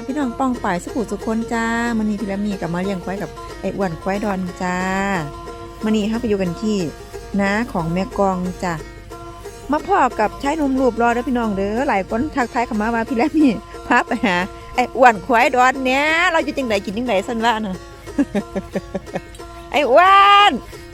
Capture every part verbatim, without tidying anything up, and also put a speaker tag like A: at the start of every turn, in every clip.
A: พี่น้องป้องป่ายสุขุสุคนจ้ามันนี้พี่และมีกับมาเลี้ยงควายกับไอ้อ้วนควายดอนจ้ามันนี้ห้าไปอยู่กันที่น้าของแม่กองจ้ามาพ่อกับชายหนุ่มรูปรอเด้อพี่น้องเด้อหลายคนทักทายเข้ามาว่าพี่และมีพาไปหาไอ้อ้วนควายดอนเนี้ยเราอยู่จังไดกินจังไดสั่นว่าน่ะ ไอ้อ้วน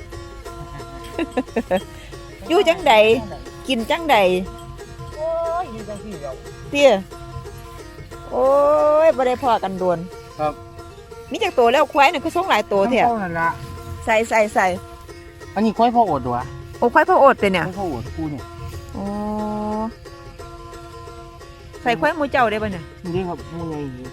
A: อยู่จังไดกินจังได
B: โอ้ยอยู่จังซี่เดียว
A: เตี้ยโอ้ยบ่ได้พอกันโดน
B: ครับ
A: มีจักตัวแล้วควายน่ะคือส่งหลายตัวแท้
B: นั่นล่ะ
A: ใส่ใส่ใส่
B: อันนี้ควายพ่ออดตัว
A: โอ้ควายพ่ออดเป็นเนี่ย
B: ควายพ่ออดกูเนี่ย
A: โอ้ใส่ควายหมูเจ้าได้ป่ะเนี่ย
B: นี่ครับหมูใหญ่อยู่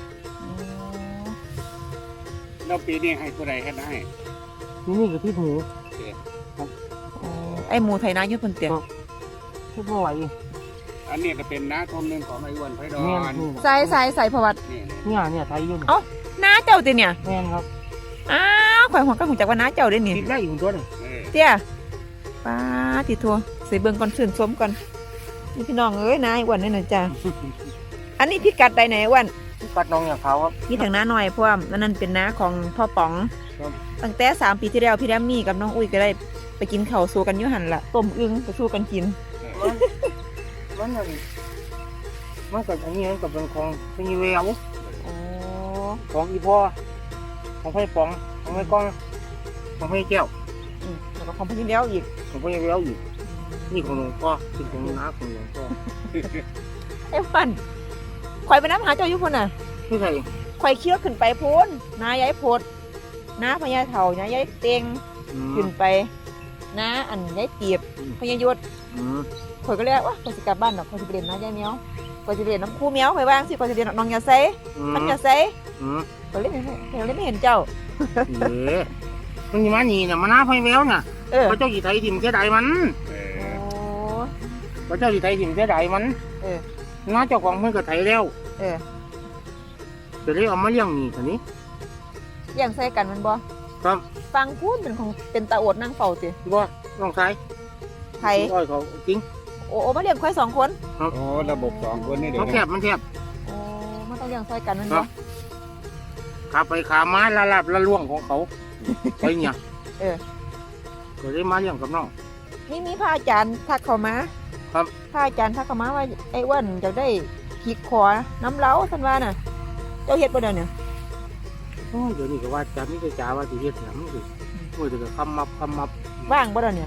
C: แล้วปีนี้ให้ผู้ใดให้ได้
B: นี่นี่คือพี่หมู
A: ครับไอหมูไทยนาอยู่บนเตียง
B: พี่พ่อไหว
C: อันนี้ก็เป็นน้าทมหนึ่งของไอ้อ้วนไผ่ดอน
A: ใส่ใส่ใส่ประวัติ
B: เนี่ยเนี่ยไทยยุ่น
A: เอ้าน้าเจ้าตีเนี่ย
B: แม่นครับ
A: อ้าวข่อยหัวก็หัวจักว่าน้าเจ้าได้เนี่ย
B: ติดได้อยู่ตัวนึง
A: เตี้ยป้าติดทัวใส่เบิ่งก่อนชื่นชมก่อนนี่พี่น้องเอ้ยนายอ้วนนี่นะจ้าอันนี้พิกัดใดไหนอ้วน
B: พิกัดน้องอย่างเขาครับ
A: นี่ทางน้าหน่อยพวกนั่นเป็นน้าของพ่อป๋องตั้งแต่สามปีที่แล้วพี่แรมมี่กับน้องอุ้ยก็ได้ไปกินข้าวสู้กันอยู่หันละต้มอึ่งไปสู้กันกิน
B: มันมันมันกับอันนี้มันกับเป็นของเป็นยีเวลของอีพ่อของไผ่ป๋องของไผ่ก้องของไผ่แก้ว
A: แล้วก็ของพี่เลี้ยวอีก
B: ของไผ่เลี้ยวอีกนี่ของหลวงพ่อเป็นของน้าของหลวงพ่อ
A: ไอ้ฟันข่อยไปน้ำหาเจ้าอยู่พุ่นน่ะ
B: ไม่ใช่
A: ข่อยเคี้ยวขึ้นไปพุ่นน้าย้ายโพดน้าพญาเถ่าน้าย้ายเต็งขึ้นไปน้าอันย้ายเตียบพญายศข่อยก็เรียกว่าข่อยสิกลับบ้านดอกข่อยสิไปเรียนน้าย้ายเมียวข่อยสิเรียนน้ำคู่เมียวข่อยว่างสิข่อยสิเรียนน้องยาไซมันยาไซข่อยเล่นข่อยเล่นไม่เห็นเจ้า
B: เออมันมาหนีน่ะมันน้าพญาแววน่ะพระเจ้ากี่ไทยถิ่มเสียดายมันพระเจ้ากี่ไทยถิ่มเสียดายมันน้าเจ้าของเพิ่งก็ไทยแล้ว
A: เออ
B: จะได้เอามาเลี้ยงนี่คนนี้
A: เลี้ยงใส่กันมันบ่
B: ครับ
A: ฟังพูดเป็นของเป็นตาอดนั่งเฝ้าสิ
B: บ่น้องชาย
A: ไทย
B: อ้อยเขาจริง
A: โอ้โอ้มาเลี้ยงควายสองคน
C: โอ้ระบบสองคนนี่เดี๋ยว
B: มันแคบมันแคบ
A: โอ้มันต้องเลี้ยงใส่กันมันบ่
B: ขาไปขาไม้ละลาบละล่วงของเขาไปเนี่ย
A: เออ
B: ก็ได้มาเลี้ยงกับน้อง
A: นี่มีพระอาจารย์ทักเข้ามา
B: ครับ
A: พระอาจารย์ทักเข้ามาว่าไอ้อ้วนจะได้ขีดคอน้ำเล้าท่านว่าน่ะเจ้าเฮ็ดบ่เดี๋ยวนี้
B: โอ้เดี๋ยวนี้ก็ว่าจะไม่ได้จ่าว่าสิเฮ็ดหยังคือโอ้ยเดี๋ยวก็คำมับคำมับ
A: ว่างบ่เดี๋ยวนี้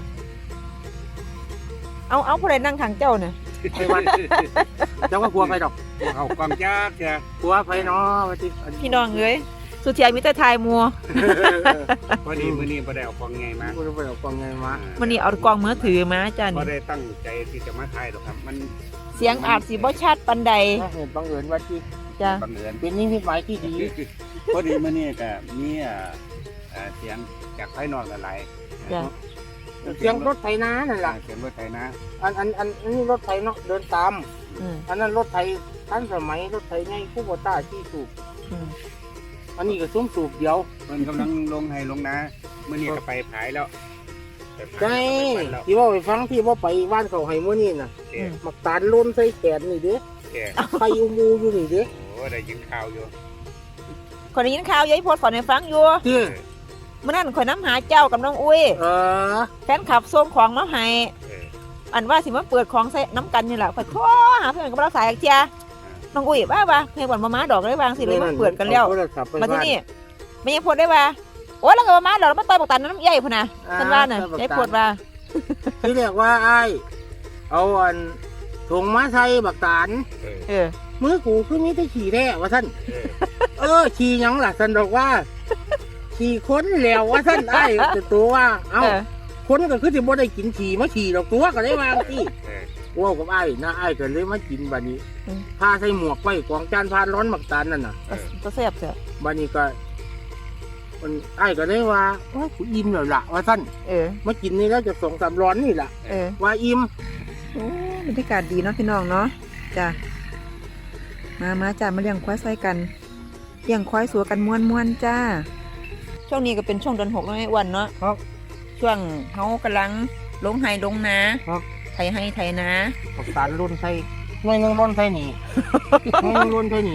A: เอาเอาผู้ใดนั่งข้างเจ้าน่ะ
B: ไอ้วันเจ้าก็กลัวไปดอก
C: เอาความยากแก
B: กลัวไปเนาะว่าสิ
A: พี่น้องเอ้ยสุดท้ายมีแต่ทายมัว
C: พอดีมื้อนี้บ่ได้เอากล้องใหญ่มา
B: บ่ได้เอากล้องใหญ่มา
A: มื้อนี้เอากล้องมือถือมาจ้ะนี่
C: บ่ได้ตั้งใจที่จะมาถ่ายหรอกครับมัน
A: เสียงอาจสิบ่ชัดปานใด
B: เหตุบังเอิญว่าที่
A: จ้ะ
C: บังเอิญ
B: เป็นนิมิตหมายที่ดี
C: พอดีมื้อนี้ก็มีอ่าเสียงจากภายนอกหลาย
A: จ้ะ
B: เสียงรถไถนานั่นล่ะ
C: เสียงรถไถนา
B: อันอันอันนี้รถไถเนาะเดินตามอันนั้นรถไถทันสมัยรถไถใหญ่คูโบต้าที่สูบอันนี้ก็ซุ้มสูบเดียว
C: มันกำลังลงให้ลงนาเมื่อนี้ก็ไปผายแล้ว
B: ใช่ที่ว่าไปฟังที่ว่าไปบ้านเขาให้เมื่อนี้น่ะหมักตาลล้นใส่แขนนี่เด้ไฟอุโมงค์อยู่นี่เด้
C: โอ้ได้ยินข่าวอยู่
A: คนได้ยินข่าวยายพดฝอนให้ฟังอยู่เมื่อนั้นข่อยน้ำหาเจ้ากับน้องอุ้ยแฟนขับส้มของมาให้อันว่าสิมาเปิดของใส่น้ำกันนี่แหละข่อยขอหาเพื่อนกับเราสายเจ้าน้องอุ้ยว่าว่าเพื่อนมาม้าดอกได้วางสิเลยมาเปิดกันแล้วมาที่นี่ไม่ยังพดได้ว่าโอ้แล้วก็มาม้าดอกมาต่อยปกตันน้ำใหญ่พนะท่านว่าน่ะยายพดว่า
B: ที่เรียกว่าไอเอาอันถุงมาใส่บักตาน
A: เออ
B: มือกูคือมีแต่ขี่แท้ว่าท่านเออขี่ยังล่ะท่านบอกว่าขี่ค้นแล้วว่าท่านไอ้ตัวว่าเอ้าค้นก็คือที่บ่ได้กินขี่มาขี่ดอกตัวก็ได้วางที่ว้าวกับไอ้นะไอ้ก็เลยมากินบานี้พาใส่หมวกไว้กองจานพานร้อนหมักตาลนั่นน่ะ
A: ก็แซ่บเสีย
B: บานี้ก็มันไอ้ก็ได้ว่าว่ากูอิ่มแล้วล่ะว่าท่าน
A: เออ
B: มากินนี่แล้วจะสองสามร้อนนี่แหละ
A: เออ
B: ว่าอิ่ม
A: โอ้บรรยากาศดีเนาะพี่น้องเนาะจ้ะมามาจ้ามาเลี้ยงควายใส่กันเลี้ยงควายสัวกันม้วนม้วนจ้าช่วงนี้ก็เป็นช่วงเดือนหกแล้วไอ้วันเนาะ
B: ครับ
A: ช่วงเขากำลังลงไห้ลงนา
B: ครับ
A: ไถไห้ไถนา
B: ปกตาลุ่นใส่ไม่นึ่งรุ่นใส่หนีไม่นึ่งรุ่นใส่หนี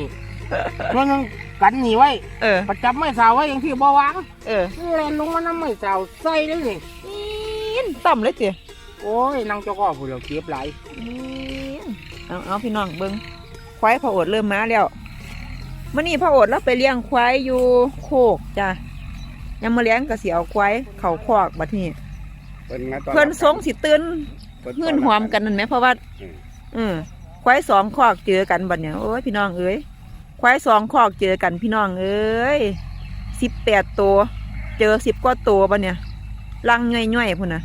B: มันยังกันหนีไว้
A: เออ
B: ประจับไม่สาวไว้อย่างที่บ่วาง
A: เออ
B: แลนลงมาน้ำไม่สาวใส่เลยนี่
A: อินต่ำเลยเจี๋ย
B: โอ้ยนางเจ้าก็ผู้เดียวเก็บไหลาย
A: อินเอาเอาพี่น้องเบิ้งควายพระโอษฐ์เริ่มมาแล้วมื่อนี้พระโอษฐ์เราไปเลี้ยงควายอยู่โคกจ้ะยังมาเลี้ยงกระเสียวควายเขาคอกบัดนี้
C: เพิ่นมาตอน
A: เพื่อนสงสิตื่น
C: เพิ่
A: เงื่อนหอมกันนั่นไหมเพราะว่า
C: อืม
A: อืมควายสองคอกเจอกันบัดเนี่ยโอ้ยพี่น้องเอ้ยควายสองคอกเจอกันพี่น้องเอ้ยสิบแปดตัวเจอสิบกว่าตัวบัดเนี่ยลังย่อยๆพุ่นนะ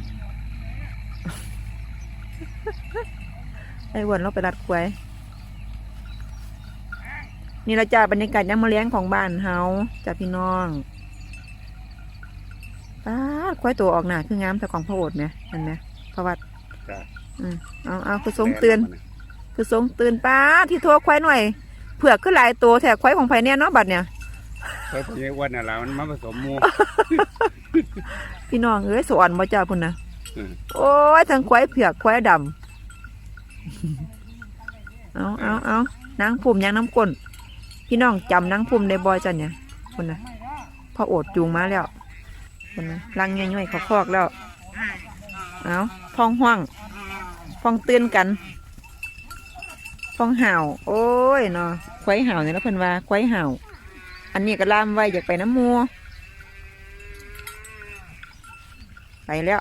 A: ไอ้อ้วนเราไปรัดควายนี่เราจะบรรยากาศยามมื้อเลี้ยงของบ้านเฮาจ้ะพี่น้องป้าดควายตัวออกหน้าคืองามแต่ของพระโอษฐ์ไหมเห็นไหมพระวัด
C: จ้ะ
A: อืมเอาเอาคือทรงเตือน คือทรงตื่นป้าที่โทรควายหน่อยเผือกขึ้นหลายตัวแถกควายของไผเนี่ยเนาะบัดเนี่ย
C: เพิ่นสิอ้วนน่ะล่ะมันมาผสมหมู่
A: พี่น้องเอ้ยสอนบ่จ้าพุ่นนะ
C: อืม
A: โอ้ยทั้งควายเผือกควายดำ เอาเอาเอานางพุ่มยังน้ำก้นพี่น้องจำนางพุ่มได้บ่จ้ะเนี่ยพุ่นนะพอโอดจูงมาแล้วพุ่นนะลังย่อยๆเขาคอกแล้วเอาพองห่วงพองตื่นกันฟองห่าวโอ้ยเนาะควายห่าวเนี่ยแล้วเพิ่นว่าควายห่าวอันนี้ก็ล่ามไว้อยากไปน้ำมัวไปแล้ว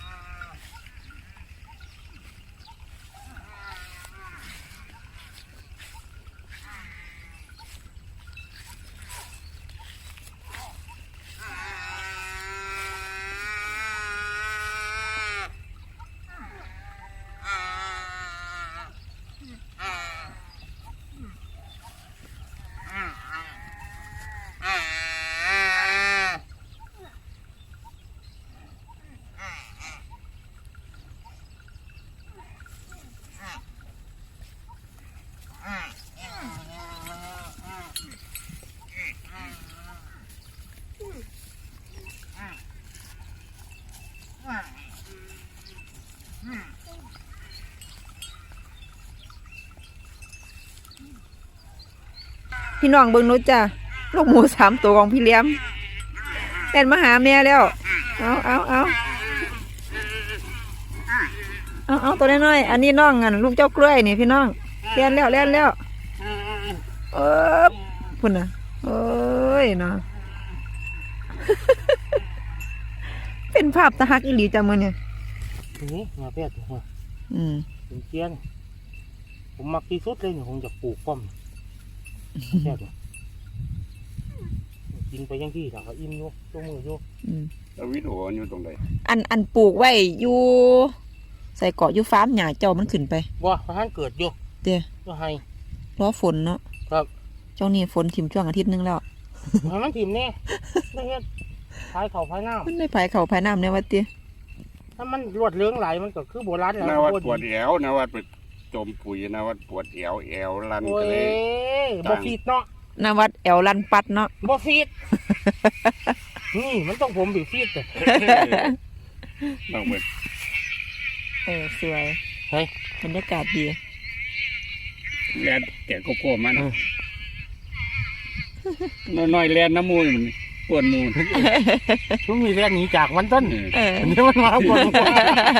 A: พี่น้องเบิ่งนู้จ้ะลูกหมูสามตัวของพี่เลี้ยมเล่นมาหาแม่แล้วเอาเอาเอาเอาเอาตัวน้อยๆอันนี้น้องอันลูกเจ้ากล้วยนี่พี่น้องเล่นแล้วเล่นแล้วเออพุ่นน่ะโอ้ยเนาะ เป็นภาพตะฮักอีหลีจ้ะมื้อเนี่ย
B: นี่มาเปียกหัว
A: อืม
B: เป็นเจียนผมมักที่สุดเลยเนี่ยผมจะปลูกป้อมแค่ตัวกินไปยังที่ถามเขาอิ่มอยู่ตัวมืออยู่
A: อืม
C: แล้ววิดีโออยู่ตรงใด
A: อันอันปลูกไว้อยู่ใส่เกาะอยู่ฟาร์มหญ้าเจ้ามันขึ้นไป
B: บ่พระท่านเกิดอยู่
A: เด้อ
B: ก็ให้
A: รอฝนเนาะ
B: ครับ
A: เจ้านี่ฝนถิ่มช่วงอาทิตย์หนึงแล้ว
B: ให้มันถิ่มแน่ไม่เฮ็ดพายเข่าพายน้
A: มันได้ภายเขาภายน้ำเนี่ยว่าติ
B: ำถ้ามันรวดเรืองไหลมันก็คือโบราณแล้ว
C: นาวัดปวดแอวนาวัดไปจมปุ๋ยนาวัดปวดแอวแอวลัน
B: โอ้
C: ก็
B: ย
C: เลย
B: บ่ฟีดเนาะ
A: นาวัดแอวลันปัดเนาะ
B: บ่ฟีดนี่มันต้องผมบีฟีดแต่
C: ต้องไป
A: เออสวย
B: เฮ้ย
A: บรรยากาศดี
C: แลนแกะโกโก้มันน้อยๆแลนน้ำมูลมันปวดมูล
B: ช่วงนี้เรียนหนีจากมันต้น
A: เออ
B: อันนี้มันมาปวดหัว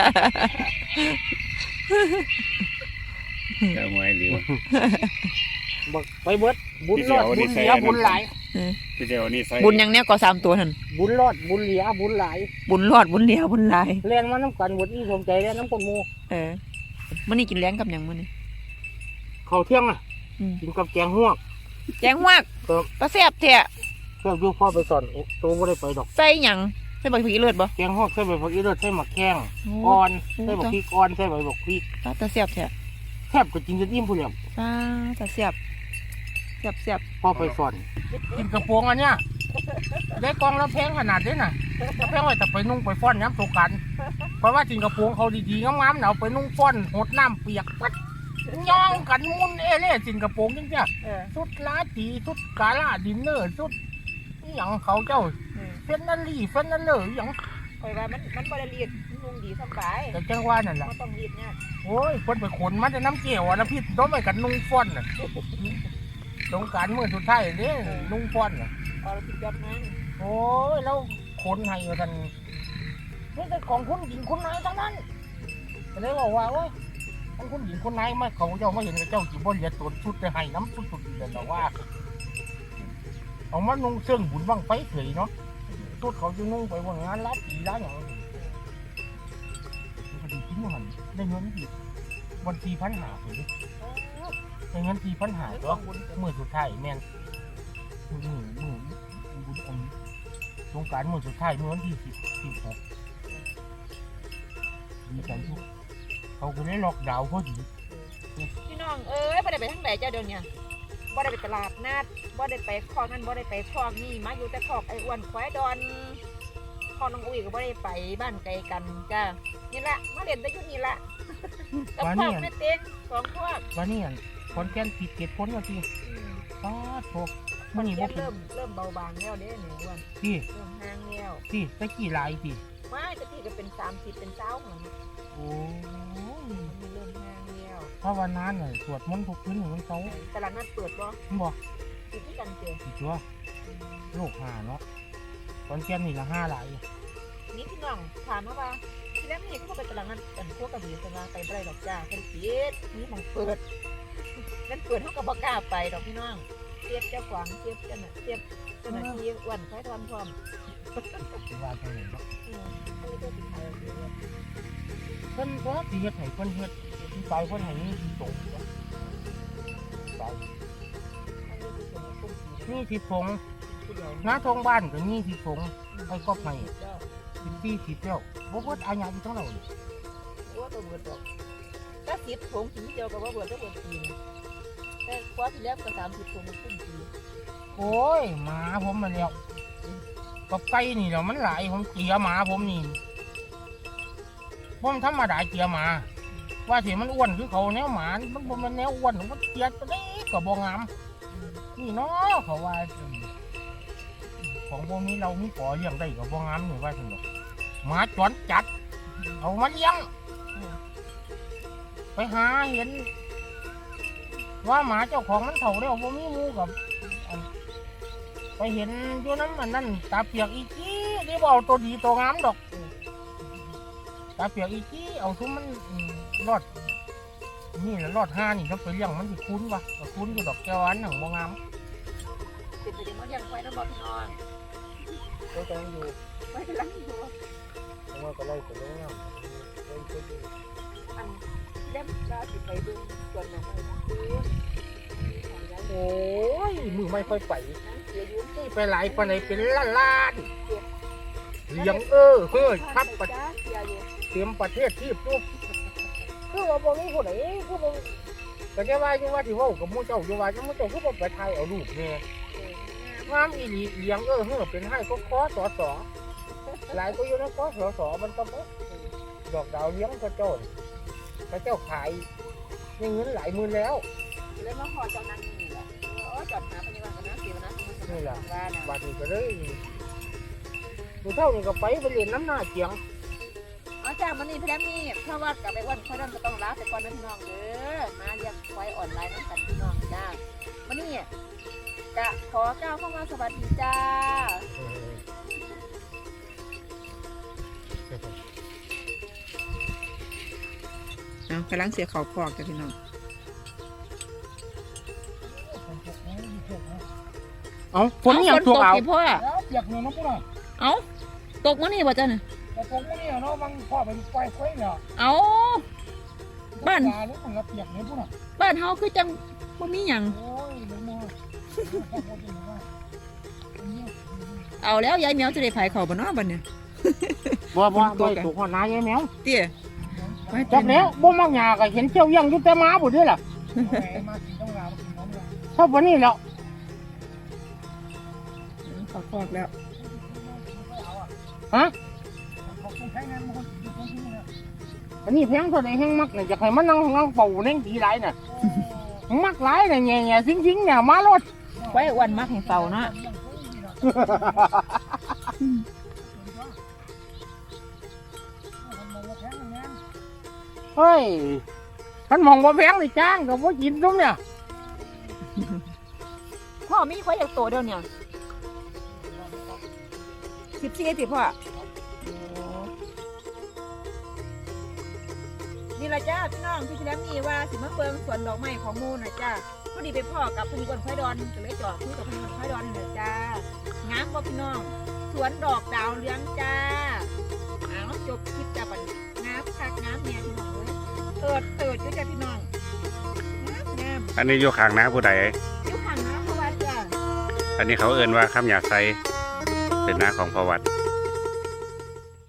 C: จะหวยหรือ
B: บอกไปเบิดบุญรอดบุญเหลียบุญหลาย
C: พี่เดียวนี่ใส่
A: บุญอย่างเนี้ยก็สามตัวหัน
B: บุญรอดบุญเหลียบุญหลาย
A: บุญรอดบุญเหลียวบุญหลาย
B: เรียนมาน้ำกันบทอีสมใจเรียนน้ำกนหมู
A: เออมันนี่กินแรงกับหยังมันนี่
B: เขาเที่ยงอ่ะ
A: อืม
B: กินกับแกงหวก
A: แจงมาก
B: ครับ
A: ตาแซ่บแท้
B: เพื่อดูพ่อไปสอนเอ๊ะตัวไม่ได้ไปดอก
A: ใส่หยังใส่ใบผีเลือดบ่
B: แกงหวกใส่ใบผักอีเลือดใส่หมักแข้ง
A: โอ้
B: อ่อน
A: โอ้
B: ใส่บักพริกอ่อนใส่ใบบักพริก
A: ตาแซ่บแท้
B: แทบก็กินจนอิ่มผู้เดียว
A: ตาตาแซ่บแซ่บแซ่บ
B: พ่อไปสอนกินกระโปรงอันเนี้ยได้กองแล้วแพงขนาดนี้น่ะแล้วแพงไว้แต่ไปนุ่งไปฟ้อนย้ำตกกันเพราะว่ากินกระโปรงเขาดีๆงามๆเนาไปนุ่งฟ้อนหดน้ำเปียกปัดย่องกันมุนเอเล่จินกระโปรงจริงจ้ะ
A: เออ
B: ชุดลาตีชุดกาลาดินเนอร์ชุดอหย่างเขาเจ้าเฟนนัลลี่เฟนนัลเลอร์อหย่าง
A: คอยว่ามันมันบ่ได้รีดนุ่งดีสบาย
B: แต่จังว่านั่นแหละ
A: บ่ต้องรีดเนี่ย
B: โอ้ยคนไปขนมาจะน้ำเกี่ยวอะนะพี่ต้องไปกันนุ่งฟ้อนน่ะสงกรานต์มื้อสุดท้ายเด้ลุงป้อนน่ะ
A: เอาเราติดยอดนั้น
B: โอ้ยแล้วคนให้กันนี่เป็นของคุณหญิงคุณนายทั้งนั้นก็เลยบอกว่าโอ้ยทั้งคุณหญิงคุณนายมาเขาเจ้ามาเห็นกับเจ้าจีบเหลียตัวชุดจะให้น้ำสุดๆเลยแต่ว่าเอามานุ่งเสื้อบุญบังไฟเฉยเนาะชุดเขาจะนุ่งไปว่างานรับผีร้านอย่างนี้ก็ดีทิ้งมันได้เงินดีวันทีพันหาไปได้เงินทีพันหาตัวมือสุดท้ายแม่นมือมือบุญอันสงกรานต์มือสุดท้ายมือวันที่สิบสิบหกดีใจทุกเขาก็เลยล็อกดาวน์เขาดี
A: พี่น้องเอ้ยบ่ได้ไปทางไหนเจ้าเดี๋ยวนี้บ่ได้ไปตลาดนัดบ่ได้ไปคอกนั่นบ่ได้ไปคอกนี่มาอยู่แต่คอกไอ้อ้วนควายดอนคอกน้องอุ้ยก็บ่ได้ไปบ้านไกลกันจ้านี่ละมาเล่นแต่อยู่นี่ละกับคอกแม่เต็งสองคอก
B: วันนี้คนแก่นผิดเกตพ้นมาทีป้าโถมันนี่บ่เป็น
A: เริ่มเริ่มเบาบางแล้วเด้หนูอ้วน
B: ที่
A: เริ่มห่างแล้ว
B: ที่ตะกี้ลายที่
A: ไม่ตะกี้ก็เป็นสามสิบเป็นเจ้าหลัง
B: โอ้ย
A: มันเริ่มห่างแล้ว
B: เพราะวันนั้นน่ะสวดมนต์ทุกคืนของเขา
A: ตลาดนัดเปิดบ่
B: บอก
A: ปิดที่กันเจอ
B: อีกตัวโลกหาเนาะคนแก่นนี่ละห้าลาย
A: นี่พี่น้องถามมาว่าที่แรกนี่เขาไปตลาดนัดกันพวกกระบี่สนาไปไรดอกจ้าเป็นปิดนี่มองเปิดนั่นเปิดเขาก็บ่กล้าไปดอกพี่น้องเทียบเจ้าขวางเทียบเจ้าหน้าเทียบเจ้าหน้าที่อ้วนค่อยทำพร้อม
B: ว่าจังไหนเนาะ
A: อืมเขาเลยเจ้าสิขายเอาเอง
B: เพิ่นก็สิเฮ็ดให้เพิ่นเฮ็ดที่ตายเพิ่นให้นี่ที่ตรงตาย
A: เขาเลยสิส่งมาคุ้มสี
B: นี่ที่ตรง
A: ผู้เดียว
B: หน้าทองบ้านก็นี่ที่ตรงให้ก็ให้
A: เจ้า
B: สิบสี่สิบแล้วบ่เบิดอาญาอยู่ทั้งเรา
A: ว่าตัวเบิดดอกถ้าสิบถุงถึงเดียวกับว่าเบิดก็เบิดปีนแต่คว้าที่แล้วก็สามสิบถุงมันคุ้มปี
B: โอ้ยหมาผมมาแล้วกับไก่นี่แล้วมันหลายผมเกลียหมาผมนี่ผมธรรมดาเกลียหมา ว่าสิมันอ้วนคือเขาแนวหมามันบ่แมันแนวอ้วนมันเกลียตัวนี้ก็บ่งามนี่เนาะเขาว่าของพวกนี้เรามีขอเลี้ยงได้ก็บ่งามนี่ว่าซั่นดอกหมาจรจัดเอามาเลี้ยงไปหาเห็น ว่าหมาเจ้าของมันเถ่าแล้วบ่มีหมูกับอันไปเห็นอยู่น้ำมันนั่นตาเปียกอีกี้นี่บ่เอาตัวดีตัวงามดอกตาเปียกอีกี้เอาซุ้มมันรอดนี่แหละรอดห้านี่ต้องไปเลี้ยงมันสิคุ้นวะก็คุ้นอยู่ดอกแก้วอันหนังบ่งาม
A: ติดไปยังมาเลี้ยงไว้แล้วบอกพี่น้อง
B: ก็กำลังอยู่
A: ไว้กำลังอยู่
B: เพราะว่าก็ไล่ไปลงน้ำไล่ไปดู
A: อันเล่มลาสิไปดูส่วนหนังอะไรนะคือของย้าย
B: โอ้ยมือไม่ค่อยไป
A: นั้นเสียยุ่ง
B: ไปหลายปานไหนเป็นล้านล้านเลี้ยงเออเฮ้ยครับประ
A: จ้าเสียอยู่
B: เตรียมประเทศที่ปุ๊บคือว่าบ่มีผู้ใดคือบ่ก็จะว่าอยู่ว่าที่เว้ากับหมู่เจ้าอยู่ว่าหมู่เจ้าคือบ่ไปถ่ายเอารูปแม่งามอีหลีเลี้ยงเออเฮ้อเป็นให้ก็ขอสอสอหลายก็อยู่ในขอสอสอมันต้องดอกดาวเลี้ยงกระโจนกระเจ้าขายนี่เงินหลายหมื่นแล้ว
A: เลยมาขอเจ้านั่นนี่แหละโอ้จอดหาปฏิวัติกันนะเสียนะ
B: นี่แหละ
A: บ้านนะ
B: บาดนี้ก็เลยดูเท่านี้ก็ไปไปเรียนน้ำหน้าเจียง
A: อ๋อจ้ามันนี่พี่แรมนี่เพราะว่ากับไอ้วันเขาเริ่มจะต้องลาแต่ก่อนนะพี่น้องเด้อมาเรียกไว้ออนไลน์น้ำกันพี่น้องจ้าวันนี้กะขอก้าวเข้ามาสวัสดีจ้าเอากำลังเสียเขาคอกจ้ะพี่น้อง
B: เอาฝนยังตัวเอา
A: ฝนตกสิพ่อ
B: เปียกเนี่ยน้องพวกน่ะ
A: เอาตกมื้อนี้บ่จ้ะเนี่ย
B: แต่ผมไม่เนี่ยเนาะบางพ่อเป็นไฟไฟเนี่ย
A: เอาบ้าน
B: ยาหรือมันก็เปียกเนี่ยพวกน่ะ
A: บ้านเฮาคือจังบ่มีหยัง
B: โอ้ยเดี๋ยวมา
A: เอาแล้วยายแมวจะได้ไผเขาบ่เนาะบัดเนี่ย
B: บ่บ่บ่ถูกหัวหน้ายายแมว
A: เตี้ย
B: จักแล้วบ่มักหยาก็เห็นเจ้ายังอยู่แต่หมาบ่ด้วยล่ะชอบวันนี้แล้ว
A: เขาคอกแล้ว
B: ฮะอันนี้แพงเท่าไหร่แห้งมักเนี่ยอยากให้มันนั่งนั่งเป่าเน่งดีไรน่ะมักไรเนี่ยแง่แง่ซิงซิงเนี่ยมารถ
A: ไว้อ้วนมักให้เฝ้าเนาะ
B: เฮ้ยท่านมองว่าแพงเลยจ้างกับว่ากินตรงเนี่ย
A: พ่อมีควายจากโตเดียวเนี่ยสิบสี่สิพ่อโอ้นี่ละจ้าพี่น้องพี่ที่แล้วมีว่าสิมาเฟิงสวนดอกไม้ของมูนะจ้าพอดีไปพ่อกับคุณคนควายดอนก็เลยจอดคุยกับคุณคนควายดอนนี่จ้างามบ่พี่น้องสวนดอกดาวเรืองจ้าอ้าวจบคลิปจ้าปันงามคักงามเนี่ยพี่น้องเว้ยเติดเติดด้วยจ้าพี่น้องงามงาม
C: อันนี้อยู่ข้างน้าผู้ใด
A: ยุคห่างนะเพราะว่าจ้า
C: อันนี้เขาเอ่นว่าคำหยาไซเป็นน้าของพอวัด